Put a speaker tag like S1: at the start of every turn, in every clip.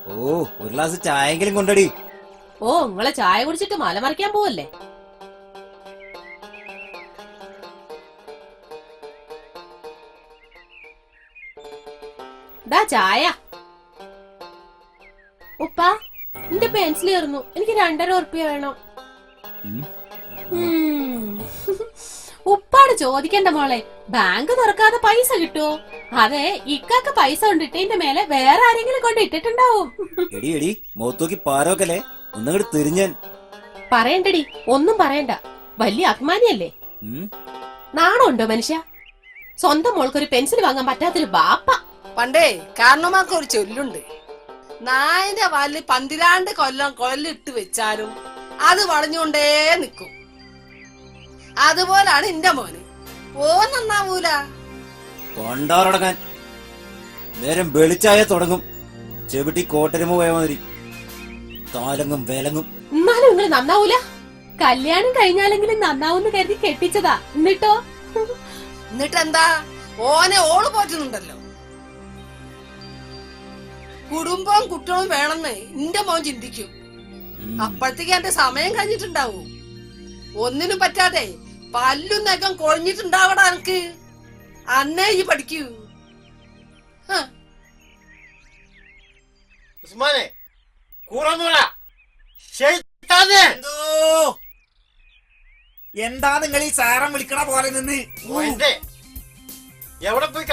S1: ഓ, ഒരു ഗ്ലാസ് ചായെങ്കിലും കൊണ്ടടി.
S2: ഓ, നിങ്ങളെ ചായ കുടിച്ചിട്ട് മല മറിക്കാൻ പോവല്ലേ? ദാ ചായ. ഉപ്പ, എന്റെ പെൻസിൽ തീർന്നു, എനിക്ക് 2.5 ഉറുപ്പിക വേണം. ഉപ്പാട് ചോദിക്കണ്ട മോളെ, ബാങ്ക് തുറക്കാതെ പൈസ കിട്ടുവോ? അതെ, ഇക്കാക്ക് പൈസ കൊണ്ടിട്ടതിന്റെ മേലെ വേറെ ആരെങ്കിലും കൊണ്ട് ഇട്ടിട്ടുണ്ടാവും.
S1: എടി എടി, മുഖത്തോക്കി പാരോക്കല്ലേ, ഒന്നങ്ങോട്ട് തിരിഞ്ഞൻ.
S2: പറയണ്ടടി, ഒന്നും പറയണ്ട, വലിയ അഭിമാനിയല്ലേ. നാണമുണ്ടോ മനുഷ്യ? സ്വന്തം മോൾക്കൊരു പെൻസിൽ വാങ്ങാൻ പറ്റാത്തൊരു ബാപ്പ.
S3: പണ്ടേ കാരണമാർക്ക് ഒരു ചൊല്ലുണ്ട്, നായന്റെ വാലിൽ 12 കൊല്ലം കൊല്ലിട്ട് വെച്ചാലും അത് വളഞ്ഞുകൊണ്ടേ നിക്കും. അതുപോലാണ് എന്റെ മോന്. ഓ നന്നാവൂല.
S1: കൊണ്ടാറടക്കാൻ നേരം വെളിച്ചായ തുടങ്ങും. ചെവിട്ടി കോട്ടരുമ പോയ മാതിരി താലങ്ങും വേലങ്ങും.
S2: എന്നാലും നിങ്ങൾ നന്നാവൂല. കല്യാണം കഴിഞ്ഞാലെങ്കിലും നന്നാവൂന്ന് കരുതി കെട്ടിച്ചതാ.
S3: എന്നിട്ടെന്താ, ഓനെ ഓള് പോറ്റുന്നുണ്ടല്ലോ. കുടുംബവും കുട്ടികളും വേണമെന്ന് എന്റെ മോൻ ചിന്തിക്കും. അപ്പോഴത്തേക്ക് എന്റെ സമയം കഴിഞ്ഞിട്ടുണ്ടാവും. ഒന്നിനും പറ്റാതെ പല്ലും നഖം കൊഴിഞ്ഞിട്ടുണ്ടാവടാ എനിക്ക്. അന്നേ ഈ പഠിക്കൂ.
S4: എന്താ നിങ്ങൾ ഈ സാരം വിളിക്കണ പോലെ നിന്ന്?
S5: എവിടെ പോയി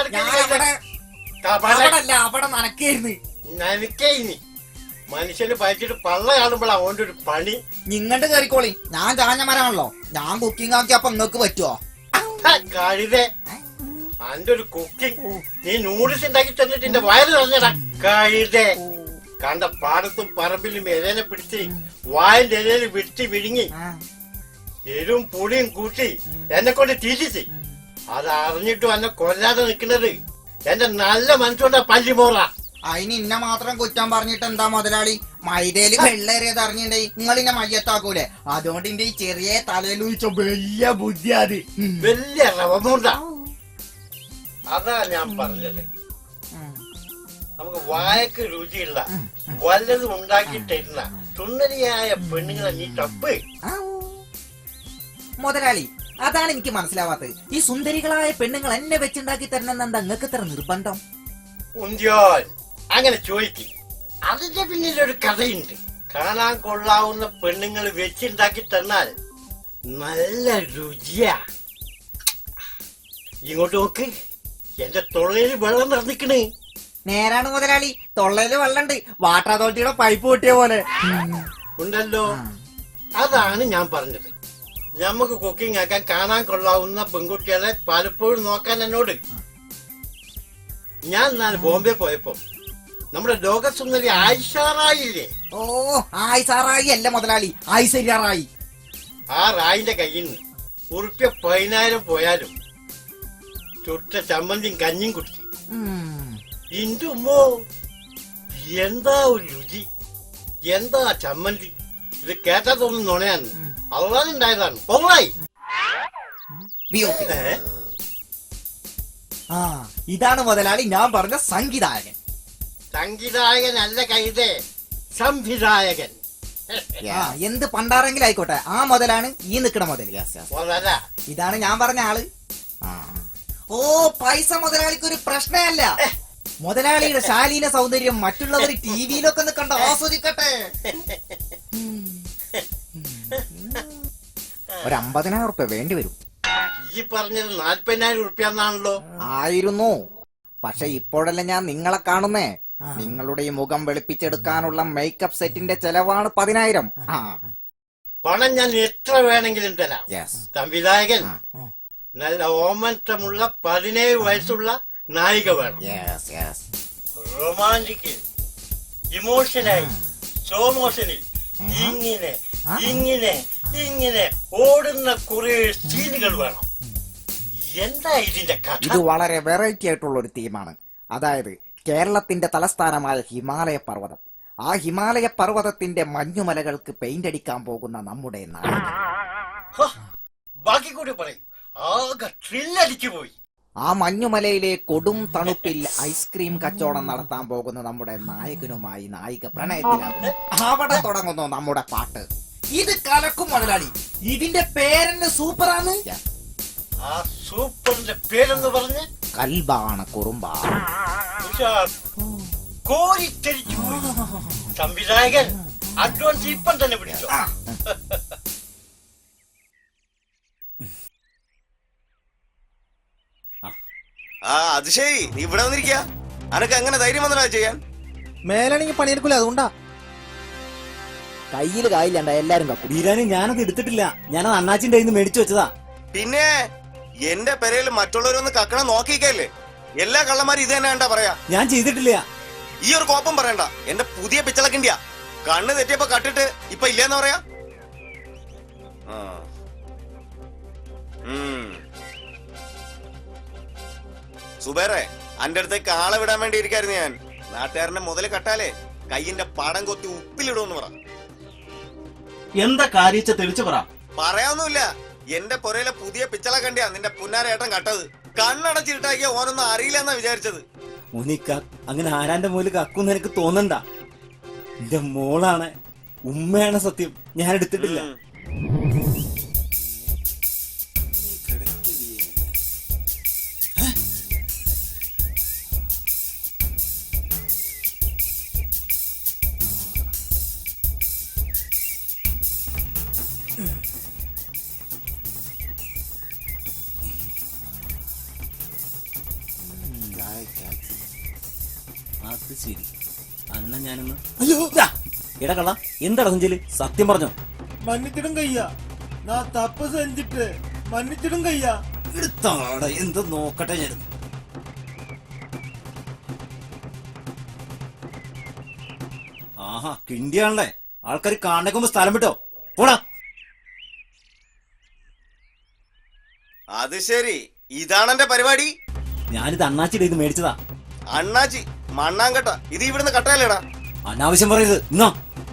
S4: അവിടെ നനക്കായിരുന്നു.
S5: നനക്കേനി മനുഷ്യന് പറ്റിട്ട് പള്ള കാണുമ്പോഴാ അവന്റെ ഒരു പണി.
S4: നിങ്ങണ്ട് കയറിക്കോളി, ഞാൻ ചാഞ്ഞ മരമാണല്ലോ. ഞാൻ കുക്കിംഗ് ആക്കിയപ്പോ നിങ്ങക്ക് പറ്റുവോ?
S5: കഴുതേ, അന്റെ ഒരു കുക്കിംഗ് നീ നൂഡിൽസ് ഉണ്ടാക്കി തന്നിട്ട് എന്റെ വയറ് നിറഞ്ഞടാ കഴുതേ. കണ്ട പാടത്തും പറമ്പിലും ഇലനെ പിടിച്ച് വായന്റെ ഇലയിൽ വിടിച്ച് വിഴുങ്ങി എരും പുളിയും കൂട്ടി എന്നെ കൊണ്ട് തീറ്റിച്ച്. അത് അറിഞ്ഞിട്ടും എന്നെ കൊല്ലാതെ നിൽക്കുന്നത് എന്റെ നല്ല മനസ്സുകൊണ്ടാ പല്ലിമോറ.
S4: അതിന് ഇന്ന മാത്രം കുറ്റം പറഞ്ഞിട്ട് എന്താ മുതലാളി? മൈദയില് വെള്ളേറിയത് അറിഞ്ഞിട്ടേ നിങ്ങളിന്നെ മയ്യത്താക്കൂലേ? അതുകൊണ്ട് എന്റെ ഈ ചെറിയ തലയിൽ വെച്ച വലിയ ബുദ്ധി അത്
S5: വലിയ റവമുണ്ട. അതാ ഞാൻ പറഞ്ഞത്, നമുക്ക് വായക്ക് രുചിയുള്ള വല്ലതും ഉണ്ടാക്കി തരുന്ന സുന്ദരിയായ പെണ്ണുങ്ങളെ നീ തപ്പ്.
S4: മുതലാളി, അതാണ് എനിക്ക് മനസ്സിലാവാത്തത്. ഈ സുന്ദരികളായ പെണ്ണുങ്ങൾ എന്നെ വെച്ചുണ്ടാക്കി തരണമെന്ന് എന്താ നിങ്ങൾക്ക് ഇത്ര നിർബന്ധം?
S5: ഉന്തിയോൻ അങ്ങനെ ചോദിക്കും. അതിന്റെ പിന്നിലൊരു കഥയുണ്ട്. കാണാൻ കൊള്ളാവുന്ന പെണ്ണുങ്ങൾ വെച്ചുണ്ടാക്കി തന്നാൽ നല്ല രുചിയാ. ഇങ്ങോട്ട് നോക്ക്, എന്റെ തൊള്ളയിൽ വെള്ളം നിറഞ്ഞിക്കണേ.
S4: നേരാണ് മുതലാളി, തൊള്ളയില് വെള്ളണ്ട്, വാട്ടർ അതോറിറ്റിയുടെ പൈപ്പ് പൊട്ടിയ പോലെ
S5: ഉണ്ടല്ലോ. അതാണ് ഞാൻ പറഞ്ഞത്. നമുക്ക് കുക്കിംഗ് ആക്കാൻ കാണാൻ കൊള്ളാവുന്ന പെൺകുട്ടികളെ പലപ്പോഴും നോക്കാൻ എന്നോട്. ഞാൻ നാളെ ബോംബെ പോയപ്പോ നമ്മുടെ ലോകസുന്ദരി ആയിഷാറായില്ലേ?
S4: ഓ, ആയിഷാറായി അല്ല മുതലാളി, ആയിഷാറായി.
S5: ആ റായിന്റെ കയ്യിൽ നിന്ന് ഉറുപ്പ്യ 10,000 പോയാലും ചുട്ട ചമ്മന്തിയും കഞ്ഞിയും കുടിച്ചു. ഇന്റെ ഉമ്മോ, എന്താ ഒരു രുചി, എന്താ ചമ്മന്തി. ഇത് കേട്ടാ തോന്നുന്നു നുണയാന്ന്. അള്ളാനുണ്ടായതാണ്. പൊള്ളായി.
S4: ഇതാണ് മുതലാളി ഞാൻ പറഞ്ഞ സംഗീതായകൻ.
S5: സംഗീതായകനല്ല കൈതേ, സംവിധായകൻ.
S4: എന്ത് പണ്ടാരെങ്കിലും ആയിക്കോട്ടെ, ആ മുതലാണ് ഈ നിക്കണ മുതൽ. ഇതാണ് ഞാൻ പറഞ്ഞ ആള്. ഓ, പൈസ മുതലാളിക്ക് ഒരു പ്രശ്നമല്ല. മുതലാളിയുടെ ശാലീന സൗന്ദര്യം മറ്റുള്ളവർ ടിവിയിലൊക്കെ ഒന്ന് കണ്ട് ആസ്വദിക്കട്ടെ. ഒരു 50,000 ഉറുപ്പ്യ വേണ്ടി വരും.
S5: ഈ പറഞ്ഞത് 40,000 ഉറുപ്പ്യാന്നാണല്ലോ.
S4: ആയിരുന്നു, പക്ഷെ ഇപ്പോഴല്ല ഞാൻ നിങ്ങളെ കാണുന്നേ. നിങ്ങളുടെ ഈ മുഖം വെളുപ്പിച്ചെടുക്കാനുള്ള മേക്കപ്പ് സെറ്റിന്റെ ചെലവാണ് 10,000.
S5: പണം ഞാൻ എത്ര വേണമെങ്കിലും തരാം. സംവിധായകൻ നല്ല ഓമനത്തമുള്ള 17 വയസ്സുള്ള നായിക വേണം. റൊമാന്റിക്കിൽ, ഇമോഷനായി, സ്ലോ മോഷനിൽ ഇങ്ങനെ ഇങ്ങനെ ഇങ്ങനെ ഓടുന്ന കുറെ സീനുകൾ വേണം. എന്താ ഇതിന്റെ കഥ?
S4: ഇത് വളരെ വെറൈറ്റി ആയിട്ടുള്ള ഒരു തീമാണ്. അതായത് കേരളത്തിന്റെ തലസ്ഥാനമായ ഹിമാലയ പർവ്വതം, ആ ഹിമാലയ പർവ്വതത്തിന്റെ മഞ്ഞുമലകൾക്ക് പെയിന്റ് അടിക്കാൻ പോകുന്ന നമ്മുടെ നാട്.
S5: ബാക്കി കൂടി പറയും. ആകെ ത്രില്ലടിച്ചു പോയി.
S4: ആ മഞ്ഞുമലയിലെ കൊടും തണുപ്പിൽ ഐസ്ക്രീം കച്ചവടം നടത്താൻ പോകുന്ന നമ്മുടെ നായകനുമായി നായിക പ്രണയത്തിലാകുന്നു. അവിടെ തുടങ്ങുന്നു നമ്മുടെ പാട്ട്. ഇത് കലക്കും മുതലാളി. ഇതിന്റെ പേരെന്നെ സൂപ്പറാണ്.
S5: ആ സൂപ്പറിന്റെ പേരെന്ന് പറഞ്ഞ്
S4: കൽബാണ് കുറുമ്പ.
S5: കോരിത്തെരിച്ചു പോയി. സംവിധായകൻ അഡ്വാൻസ് ഇപ്പം തന്നെ പിടിച്ചോ.
S6: ആ അത് ശരി, നീ ഇവിടെ വന്നിരിക്ക. അനക്ക് എങ്ങനെ ധൈര്യം വന്നടാ ചെയ്യാൻ?
S4: മേലാണെങ്കിൽ പണിയെടുക്കൂല, അതുകൊണ്ടാ. കയ്യില് കായില്ലണ്ട, എല്ലാരും കക്കും.
S1: ബീരാനി ഞാനത് എടുത്തിട്ടില്ല, ഞാനത് അണ്ണാച്ചിന്റെ കയ്യിൽ നിന്ന് മേടിച്ചു വെച്ചതാ.
S6: പിന്നെ എന്റെ പെരയിൽ മറ്റുള്ളവരൊന്ന് കക്കണം നോക്കിക്കല്ലേ. എല്ലാ കള്ളന്മാരും ഇത് തന്നെ കണ്ടാ പറയാ.
S1: ഞാൻ ചെയ്തിട്ടില്ല.
S6: ഈ ഒരു കോപ്പം പറയണ്ട. എന്റെ പുതിയ പിച്ചളക്കിണ്ടിയാ. കണ്ണ് തെറ്റിയപ്പോ കട്ടിട്ട് ഇപ്പൊ ഇല്ലെന്ന് പറയാ. സുബേറെ, അന്റെ അടുത്തേക്ക് ആളെ വിടാൻ വേണ്ടി ഇരിക്കായിരുന്നു ഞാൻ. നാട്ടുകാരന്റെ മുതല് കട്ടാലേ കയ്യിന്റെ പടം കൊത്തി ഉപ്പിലിടുമെന്ന് പറ.
S7: എന്താ കാര്യച്ച തെളിച്ചു പറ.
S6: പറയാനൊന്നുമില്ല. എന്റെ പുരയിലെ പുതിയ പിച്ചള കണ്ടിയാ നിന്റെ പുന്നാരേട്ടൻ കട്ടത്. കണ്ണടച്ചിട്ടാക്കിയ ഓനൊന്നും അറിയില്ല എന്നാ വിചാരിച്ചത്.
S1: മുനിക്ക അങ്ങനെ ആരാന്റെ മുകളിൽ കക്കുന്ന് എനിക്ക് തോന്നണ്ട. എന്റെ മോളാണ്, ഉമ്മയാണ് സത്യം. ഞാൻ എടുത്തിട്ടില്ല. അത് ശരി, അന്ന ഞാനൊന്ന് അയ്യോ എടാ കള്ള, എന്താ സഞ്ചല്? സത്യം പറഞ്ഞോ?
S8: മன்னிச்சிடும் கையா, நான் தப்பு செஞ்சுட்டு மன்னிச்சிடும் கையா.
S1: എടുത്താടാ, എന്ത് നോക്കട്ടെ ഞാൻ. ആഹാ, കിണ്ടിയാണല്ലേ. ആൾക്കാർ കാണുമ്പോ സ്ഥലം വിട്ടോ, പോടാ.
S6: അത് ശരി, ഇതാണ് എന്റെ പരിപാടി.
S1: ഞാനിത് അണ്ണാച്ചിയുടെ ഇത് മേടിച്ചതാ.
S6: അണ്ണാച്ചി മണ്ണാങ്കട്ട, ഇത് ഇവിടുന്ന് കട്ടയല്ലേടാ.
S1: അനാവശ്യം പറയരുത്. ഇന്നോ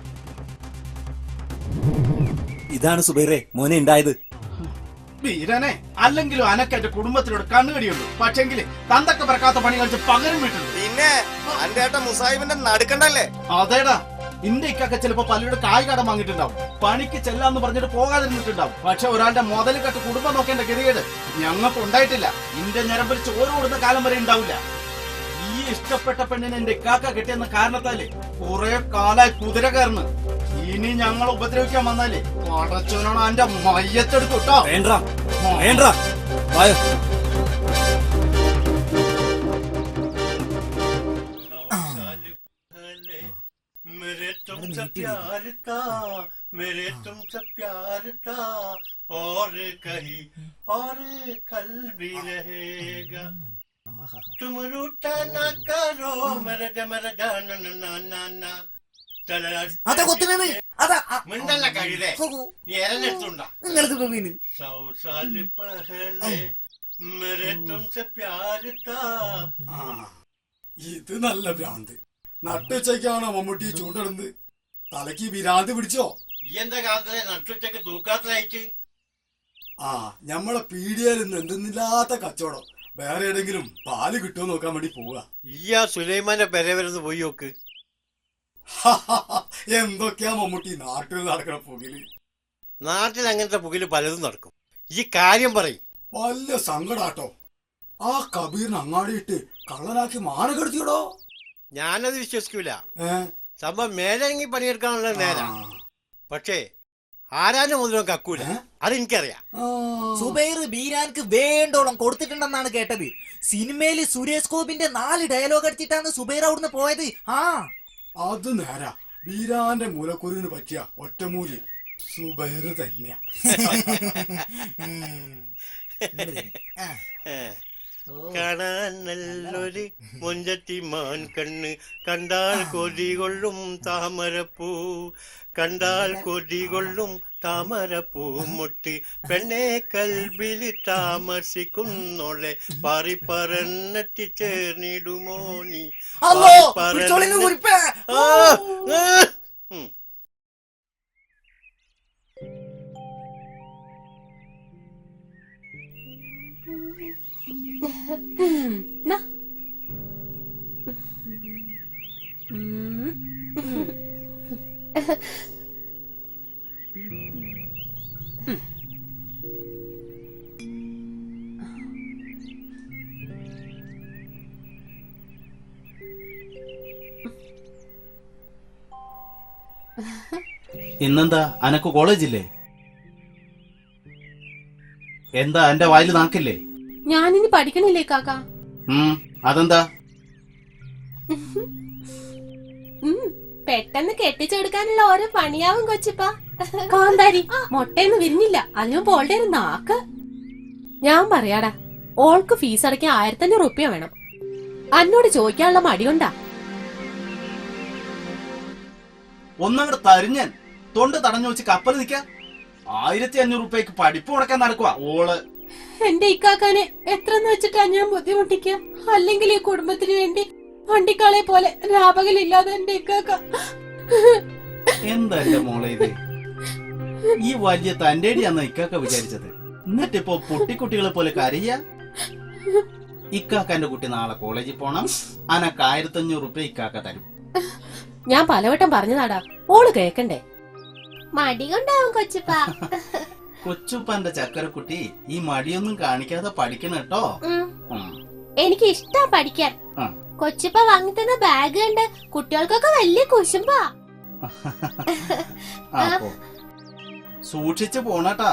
S1: ഇതാണ് സുബൈറെ മോനെ ഉണ്ടായത്.
S7: വീരനെ, അല്ലെങ്കിലും അനക്ക് എന്റെ കുടുംബത്തിനോട് കണ്ണുകടിയുള്ളൂ. പക്ഷെങ്കിൽ തന്തൊക്കെ പറക്കാത്ത പണി കളിച്ച് പകരം വീട്ടുള്ളൂ.
S6: പിന്നെ അന്റെ ഏട്ടൻ മുസാഹിബിന്റെ നടുക്കണ്ടല്ലേ?
S7: അതേടാ, ഇന്റെ ഇക്കൊക്കെ ചിലപ്പോ പലരുടെ കായ് കടം വാങ്ങിയിട്ടുണ്ടാവും. പണിക്ക് ചെല്ലാന്ന് പറഞ്ഞിട്ട് പോകാതിരുന്നിട്ടുണ്ടാവും. പക്ഷെ ഒരാളുടെ മുതൽ കെട്ട് കുടുംബം നോക്കേണ്ട ഗതികേട് ഞങ്ങൾക്ക് ഉണ്ടായിട്ടില്ല. ഇന്റെ ഞരമ്പിൽ ചോറ് കൊടുത്ത കാലം വരെ ഉണ്ടാവില്ല. ഈ ഇഷ്ടപ്പെട്ട പെണ്ണിനെ എന്റെ ഇക്കാക്ക കിട്ടിയെന്ന കാരണത്താല് കുറെ കാലായി കുതിര കയറുന്നു. ഇനി ഞങ്ങൾ ഉപദ്രവിക്കാൻ വന്നാലേ പടച്ചോനാണ് എന്റെ മയ്യത്തെടുക്കും കേട്ടോ.
S1: വേണ്ട വേണ്ട, വായോ.
S5: मेरे तुमसे प्यार था, मेरे तुमसे प्यार था, और कहीं और कल भी रहेगा. तुम रूठा ना करो मेरे जान ना ना ना.
S4: അതാ കൊത്തുന്നത്. അതാ
S5: മിണ്ടല്ല കഴിയേ, നീ എരഞ്ഞെടുത്തുണ്ടാ.
S4: നിങ്ങൾക്ക് വീണ്
S5: 100 साल पहले मेरे तुमसे प्यार था.
S8: ഇത് നല്ല ഭ്രാന്ത്. നട്ടുച്ചയ്ക്കാണോ മമ്മൂട്ടി ചൂണ്ടിടുന്നത്? തലക്ക് വിരാന്ത് പിടിച്ചോ?
S5: ഈ എന്താ കാലത്തിലെ നട്ടുച്ചക്ക് തൂക്കാത്തതായിട്ട്?
S8: ആ, ഞമ്മളെ പീഡിയയിൽ നിന്ന് എന്തെന്നില്ലാത്ത കച്ചവടം. വേറെ ഏതെങ്കിലും പാല് കിട്ടുമോ നോക്കാൻ വേണ്ടി പോവുക.
S5: ഈ ആ സുലൈമാന്റെ പെര വരുന്ന് പോയി നോക്ക്.
S8: എന്തൊക്കെയാ മമ്മൂട്ടി നാട്ടിൽ നടക്കണ പുകില്?
S5: നാട്ടിൽ അങ്ങനത്തെ പുകില് പലതും നടക്കും. ഈ കാര്യം പറയും.
S8: വല്ല സങ്കടാട്ടോ. ആ കബീറിന് അങ്ങാടിയിട്ട് കള്ളനാക്കി മാനക്കെടുത്തിയോടോ.
S5: ഞാനത് വിശ്വസിക്കൂല. സംഭവം മേലിറങ്ങി പണിയെടുക്കാനുള്ള നേരാ. പക്ഷേ ആരാന്റെ മുതലും കക്കൂല, അതെനിക്കറിയാം.
S4: സുബൈർ ബീരാൻക്ക് വേണ്ടോളം കൊടുത്തിട്ടുണ്ടെന്നാണ് കേട്ടത്. സിനിമയില് സുരേഷ് ഗോപിന്റെ 4 ഡയലോഗ് അടിച്ചിട്ടാണ് സുബൈർ അവിടുന്ന് പോയത്. ആ,
S8: അത് നേരാ. ബീരാന്റെ മൂലക്കുരുവിന് പറ്റിയ ഒറ്റമൂലി സുബൈർ തന്നെയാ.
S5: കാണാൻ നല്ലൊരു മൊഞ്ചത്തി മാൻ കണ്ണ്, കണ്ടാൽ കൊതികൊള്ളും താമരപ്പൂ, കണ്ടാൽ കൊതികൊള്ളും താമരപ്പൂ മുട്ടി, പെണ്ണെ കൽബിൽ താമസിക്കുന്നോളെ പാറി പറന്നെത്തി ചേർന്നിടുമോ നീ?
S2: നാ. ഉം.
S7: ഇന്നെന്താ അനക്ക് കോളേജില്ലേ? എന്താ എന്റെ വായിൽ നാക്കില്ലേ?
S2: ഞാനിനി പഠിക്കണില്ലേ കാക്ക?
S7: അതെന്താ?
S2: പെട്ടെന്ന് കെട്ടിച്ചെടുക്കാനുള്ള ഓരോ പണിയാവും കൊച്ചിപ്പാ. കാന്താരി മൊട്ടയൊന്ന് വിരിഞ്ഞില്ല, അതിന് പോളുടെ ഒരു നാക്ക്. ഞാൻ പറയാടാ, ഓൾക്ക് ഫീസ് അടയ്ക്കാൻ 1500 റുപ്യ വേണം. അന്നോട് ചോദിക്കാനുള്ള മടിയുണ്ടാ?
S7: ഒന്നങ്ങോട്ട് തരിഞ്ഞൻ തൊണ്ട് തടഞ്ഞു വെച്ച് കപ്പൽ നിൽക്കാം. 1500 റുപ്യക്ക് പഠിപ്പ് മുടക്കാൻ നടക്കുക ഓള്.
S2: എന്റെ ഇക്കാക്കാനെ എത്രന്ന് വെച്ചിട്ടാ ഞാൻ ബുദ്ധിമുട്ടിക്ക? അല്ലെങ്കിൽ ഈ കുടുംബത്തിന് വേണ്ടി വണ്ടിക്കാളെ പോലെ രാപകലില്ലാതെ എന്റെ ഇക്കാക്ക.
S7: എന്താ എന്റെ മോളെ ഇത്? ഈ വലിയ തന്റേടിയാന്ന് ഇക്കാക്ക വിചാരിച്ചത്. എന്നിട്ടിപ്പോ പൊട്ടിക്കുട്ടികളെ പോലെ കരയ്യ. ഇക്കാക്കന്റെ കുട്ടി നാളെ കോളേജിൽ പോണം, അനക്ക് 1500 റുപ്യ ഇക്കാക്ക തരും.
S2: ഞാൻ പലവട്ടം പറഞ്ഞതാടാ, ഓള് കേക്കണ്ടേ? മടി കൊണ്ടാവും കൊച്ചിപ്പാ.
S7: കൊച്ചുപ്പന്റെ ചക്കരക്കുട്ടി ഈ മടിയൊന്നും കാണിക്കാതെ പഠിക്കണം കേട്ടോ.
S2: എനിക്ക് ഇഷ്ടാ പഠിക്കാൻ. കൊച്ചിപ്പ വാങ്ങിത്തന്ന ബാഗ് കണ്ട് കുട്ടികൾക്കൊക്കെ വലിയ കുശുമ്പാ.
S7: അപ്പോ സൂക്ഷിച്ചു പോണട്ടാ.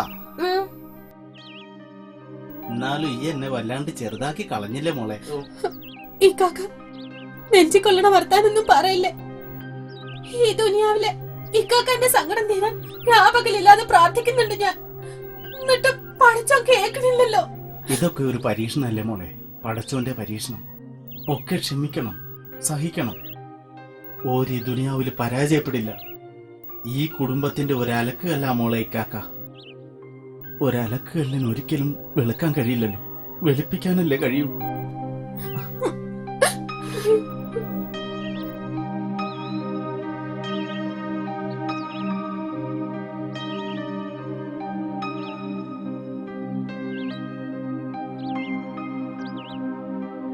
S7: എന്നാലും ഈ എന്നെ വല്ലാണ്ട് ചെറുതാക്കി കളഞ്ഞില്ലേ മോളെ?
S2: ഇക്കാക്ക നെഞ്ചിക്കൊള്ളണ വർത്താനൊന്നും പറയില്ലേ. ഈ ദുനിയാവിലെ ഇക്കാക്കന്റെ സങ്കടം തീരാൻ രാപകലില്ലാതെ പ്രാർത്ഥിക്കുന്നുണ്ട് ഞാൻ. എന്നിട്ട് പഠിച്ചോ കേൾക്കണില്ലല്ലോ.
S7: ഇതൊക്കെ ഒരു പരീക്ഷണല്ലേ മോളെ? പടച്ചോന്റെ പരീക്ഷണം. ഒക്കെ ക്ഷമിക്കണം, സഹിക്കണം. ഓരോ ദുനിയാവില് പരാജയപ്പെടില്ല. ഈ കുടുംബത്തിന്റെ ഒരലക്കല്ല മോളെ ഇക്കാക്ക. ഒരലക്കല്ലിന് ഒരിക്കലും വെളുക്കാൻ കഴിയില്ലല്ലോ, വെളുപ്പിക്കാനല്ലേ കഴിയൂ.